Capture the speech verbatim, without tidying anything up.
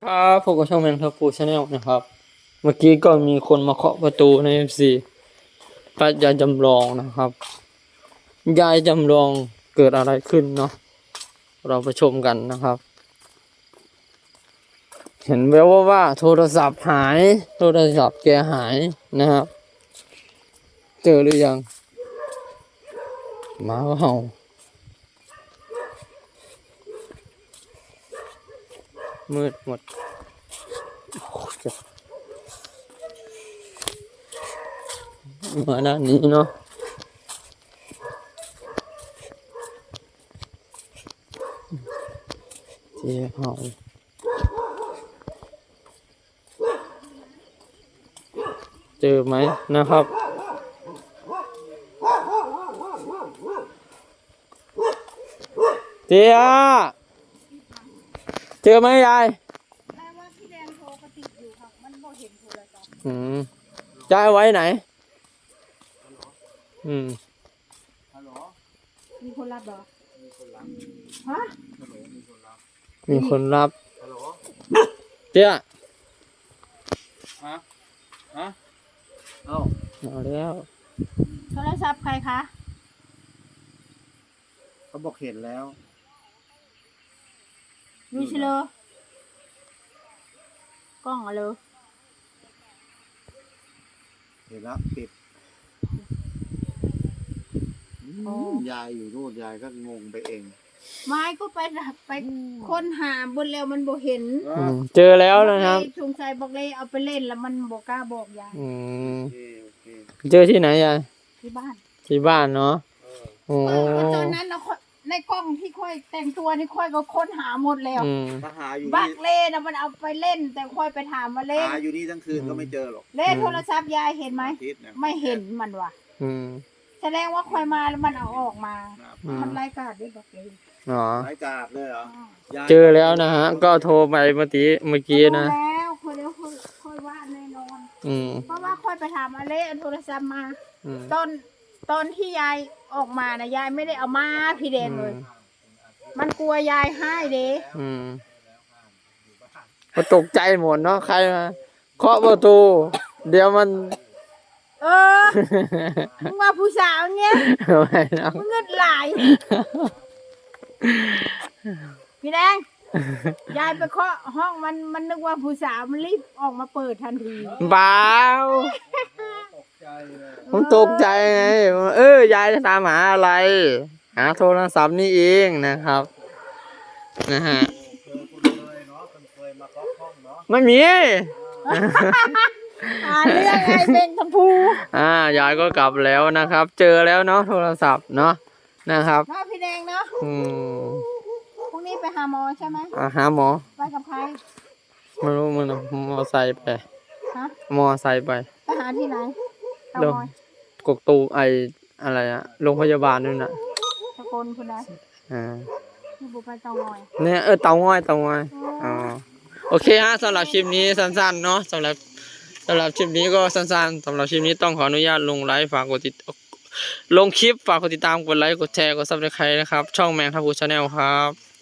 ครับผมก็ช่องแมงทับปูชาแนลนะครับเมื่อกี้ก็มีคนมาเคาะประตูใน เอฟ ซี ป้ายายจำลองนะครับยายจำลองเกิดอะไรขึ้นเนาะเราไปชมกันนะครับเห็นแววว่าว่าโทรศัพท์หายโทรศัพท์แกหายนะครับเจอหรือยังหมาก็เห่ามืดหมดมาด้านนี้เนาะเจ๊เห่าเจอไหมนะครับเจ๊เจอไหมยายแม่ว่าพี่แดงโทรกระติกอยู่ค่ะมันบ่เห็นโทรศัพท์อืมยายไว้ไหนอืมฮัลโหลมีคนรับเหรอมีคนรับฮะมีคนรับฮัลโหลเจ๊ฮะฮะเอ้าเอาแล้วโทรศัพท์ใครคะเขาบอกเห็นแล้วมีเชลกล้องอะเลยเห็นแล้วปิดยายอยู่นู่นยายก็งงไปเองไม้ก็ไปไปค้นหาบนแล้วมันบ่เห็นเจอแล้วนะครับสงสัยบอกเลยเอาไปเล่นแล้วมันบ่กล้าบอกยายเจอที่ไหนยายที่บ้านที่บ้านเนาะโอ้ตอนนั้นเราในกล้องที่ค่อยแต่งตัวนี่ค่อยก็ค้นหาหมดแล้วบักเล่นะมันเอาไปเล่นแต่ค่อยไปถามมาเล่นหาอยู่นี่ทั้งคืนก็ไม่เจอหรอกเล่นโทรศัพท์ยายเห็นไหมไม่เห็นมันว่ะแสดงว่าค่อยมาแล้วมันเอาออกมามันไร้กาดด้วยบักเล่อ๋อไร้กาดเลยเหรอเจอแล้วนะฮะก็โทรไปเมื่อกี้เมื่อกี้นะแล้วค่อยแล้วค่อยว่าแน่นอนเพราะว่าค่อยไปถามมาเล่โทรศัพท์มาตอนตอนที่ยายออกมานะยายไม่ได้เอามาพี่แดงเลยมันกลัวยายให้เด้อืมก็ตกใจหมดเนาะใครมาเคาะประตูเดี๋ยวมันเออมึงมาผู้สาวเงี้ยมึงเงินหลายพี่แดงยายไปเคาะห้องมันมันนึกว่าผู้สาวมันรีบออกมาเปิดทันทีบ้าผมตกใจไงเออยายจะตามหาอะไรหาโทรศัพท์นี่เองนะครับนะฮะไม่มีอ่าเรื่องไงเป็นชมพูอ่ายายก็กลับแล้วนะครับเจอแล้วเนาะโทรศัพท์เนาะนะครับเนาะพี่แดงเนาะอืมพรุ่งนี้ไปหาหมอใช่ไหมอ่าหาหมอไปกับใครไม่รู้มันมอไซค์ไปฮะมอไซค์ไปไปหาที่ไหนโรงกกตูไออะไรอะโรงพยาบาลนู่นน่ะตะโกนคุณได้อ่าที่บุไปเตางอยเนี่ยเออเตางอยเตางอยอ๋อโอเคฮะสำหรับคลิปนี้สั้นๆเนาะสำหรับสำหรับคลิปนี้ก็สั้นๆสำหรับคลิปนี้ต้องขออนุญาตลงไลฟ์ฝากกดติดลงคลิปฝากกดติดตามกดไลค์กดแชร์กดซับสไครต์นะครับช่องแมงทับพูชาแนลครับ